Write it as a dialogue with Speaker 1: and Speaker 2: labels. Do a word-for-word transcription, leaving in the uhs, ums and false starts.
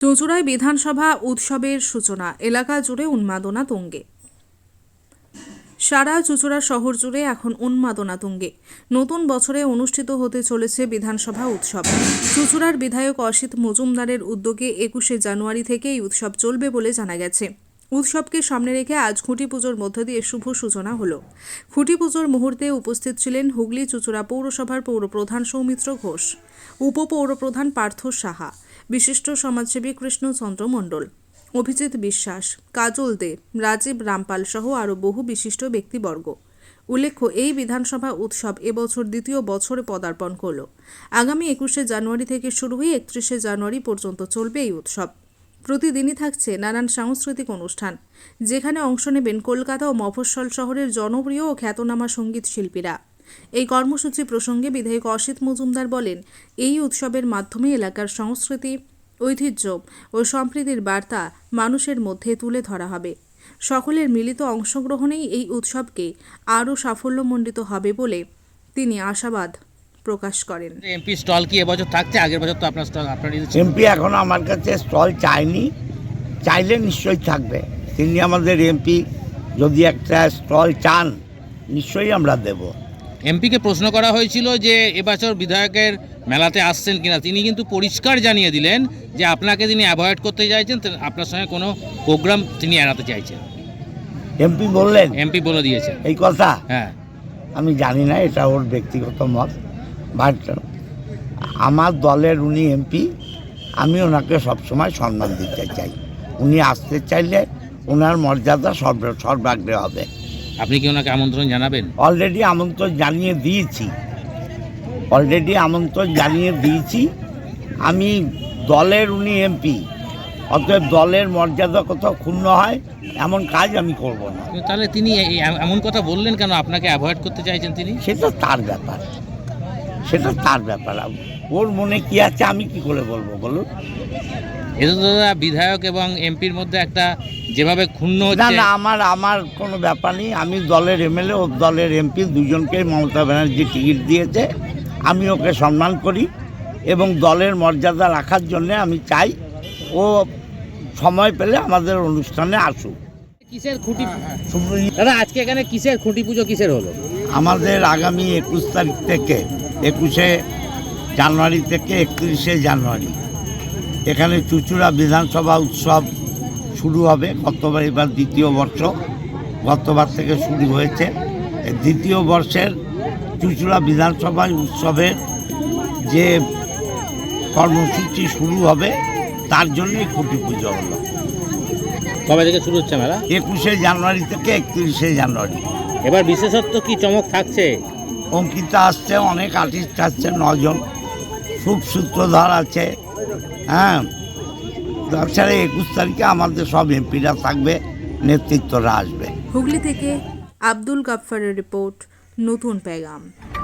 Speaker 1: চুঁচুড়ায় বিধানসভা উৎসবের সূচনা, এলাকা জুড়ে উন্মাদনা তুঙ্গে। সারা চুঁচুড়া শহর জুড়ে এখন উন্মাদনা তুঙ্গে। নতুন বছরে অনুষ্ঠিত হতে চলেছে বিধানসভা উৎসব। চুঁচুড়ার বিধায়ক অসিত মজুমদারের উদ্যোগে একুশে জানুয়ারি থেকে এই উৎসব চলবে বলে জানা গেছে। উৎসবকে সামনে রেখে আজ খুঁটি পুজোর মধ্য দিয়ে শুভ সূচনা হলো। খুঁটি পুজোর মুহূর্তে উপস্থিত ছিলেন হুগলি চুঁচুড়া পৌরসভার পৌরপ্রধান সৌমিত্র ঘোষ, উপপৌরপ্রধান পার্থ সাহা, বিশিষ্ট সমাজসেবী কৃষ্ণচন্দ্র মণ্ডল, অভিজিৎ বিশ্বাস, কাজল দে, রাজীব রামপাল সহ আরও বহু বিশিষ্ট ব্যক্তিবর্গ। উল্লেখ্য, এই বিধানসভা উৎসব এবছর দ্বিতীয় বছরে পদার্পণ করল। আগামী একুশে জানুয়ারি থেকে শুরু হয়ে একত্রিশে জানুয়ারি পর্যন্ত চলবে এই উৎসব। প্রতিদিনই থাকছে নানান সাংস্কৃতিক অনুষ্ঠান, যেখানে অংশ নেবেন কলকাতা ও মফস্বল শহরের জনপ্রিয় ও খ্যাতনামা সঙ্গীত শিল্পীরা। এই কর্মসূচি প্রসঙ্গে বিধায়ক অসিত মজুমদার বলেন, এই উৎসবের মাধ্যমে এলাকার সংস্কৃতি, ঐতিহ্য ও সম্প্রীতির বার্তা মানুষের মধ্যে তুলে ধরা হবে। সকলের মিলিত অংশগ্রহণেই এই উৎসবকে আরও সাফল্যমণ্ডিত হবে বলে তিনি আশাবাদ প্রকাশ করেন।
Speaker 2: এমপি স্টল কি এবছর থাকছে? আগের বছর তো আপনার স্টল আপনার
Speaker 3: এমপি এখনো আমার কাছে স্টল চায়নি, চাইলে নিশ্চয়ই থাকবে। তিনি আমাদের এমপি, যদি একটা স্টল চান নিশ্চয়ই আমরা দেব।
Speaker 2: এমপিকে প্রশ্ন করা হয়েছিল যে এবছর বিধায়কের মেলাতে আসছেন কিনা, তিনি কিন্তু পরিষ্কার জানিয়ে দিলেন যে আপনাকে তিনি অ্যাভয়েড করতে চাইছেন, আপনার সঙ্গে কোনো প্রোগ্রাম তিনি এড়াতে চাইছেন।
Speaker 3: এমপি বললেন,
Speaker 2: এমপি বলে দিয়েছেন
Speaker 3: এই কথা?
Speaker 2: হ্যাঁ,
Speaker 3: আমি জানি না, এটা ওর ব্যক্তিগত মত। বাট আমার দলের উনি এমপি, আমি ওনাকে সবসময় সম্মান দিতে চাই। উনি আসতে চাইলে ওনার মর্যাদা সর্ব সর্বাগ্রে হবে।
Speaker 2: আপনি কি ওনাকে আমন্ত্রণ জানাবেন?
Speaker 3: অলরেডি আমন্ত্রণ জানিয়ে দিয়েছি অলরেডি আমন্ত্রণ জানিয়ে দিয়েছি আমি দলের উনি এমপি, অতএব দলের মর্যাদা কোথাও ক্ষুণ্ণ হয় এমন কাজ আমি করব না।
Speaker 2: তাহলে তিনি এমন কথা বললেন কেন? আপনাকে অ্যাভয়েড করতে চাইছেন তিনি?
Speaker 3: সেটা তার ব্যাপার, সেটা তার ব্যাপার। ওর মনে কি আছে আমি কি করে বলবো বলুন?
Speaker 2: এটা তো দাদা বিধায়ক এবং এমপির মধ্যে একটা যেভাবে ক্ষুণ্ণ হচ্ছে।
Speaker 3: না না, আমার আমার কোনো ব্যাপার নেই। আমি দলের এমএলএ ও দলের এমপি দুজনকে মমতা ব্যানার্জি টিকিট দিয়েছে, আমি ওকে সম্মান করি এবং দলের মর্যাদা রাখার জন্যে আমি চাই ও সময় পেলে আমাদের অনুষ্ঠানে আসুক।
Speaker 2: কিসের খুঁটি দাদা আজকে এখানে কিসের খুঁটি পুজো কিসের হলো?
Speaker 3: আমাদের আগামী একুশ তারিখ থেকে একুশে জানুয়ারি থেকে একত্রিশে জানুয়ারি এখানে চুঁচুড়া বিধানসভা উৎসব শুরু হবে। গতবার, এবার দ্বিতীয় বর্ষ, গতবার থেকে শুরু হয়েছে। দ্বিতীয় বর্ষের চুঁচুড়া বিধানসভা উৎসবের যে কর্মসূচি শুরু হবে তার জন্যই খুঁটি পুজো হলো।
Speaker 2: কবে থেকে শুরু হচ্ছে মেলা?
Speaker 3: একুশে জানুয়ারি থেকে একত্রিশে জানুয়ারি।
Speaker 2: এবার বিশেষত্ব কি চমক থাকছে?
Speaker 3: অঙ্কিতা আসছে, অনেক আর্টিস্ট আসছে, নজন, খুব সূত্রধর আছে। হ্যাঁ, তাছাড়া একুশ তারিখে আমাদের সব এমপিরা থাকবে, নেতৃত্বরা আসবে।
Speaker 1: হুগলি থেকে আব্দুল গাফফারের রিপোর্ট, নতুন পেগাম।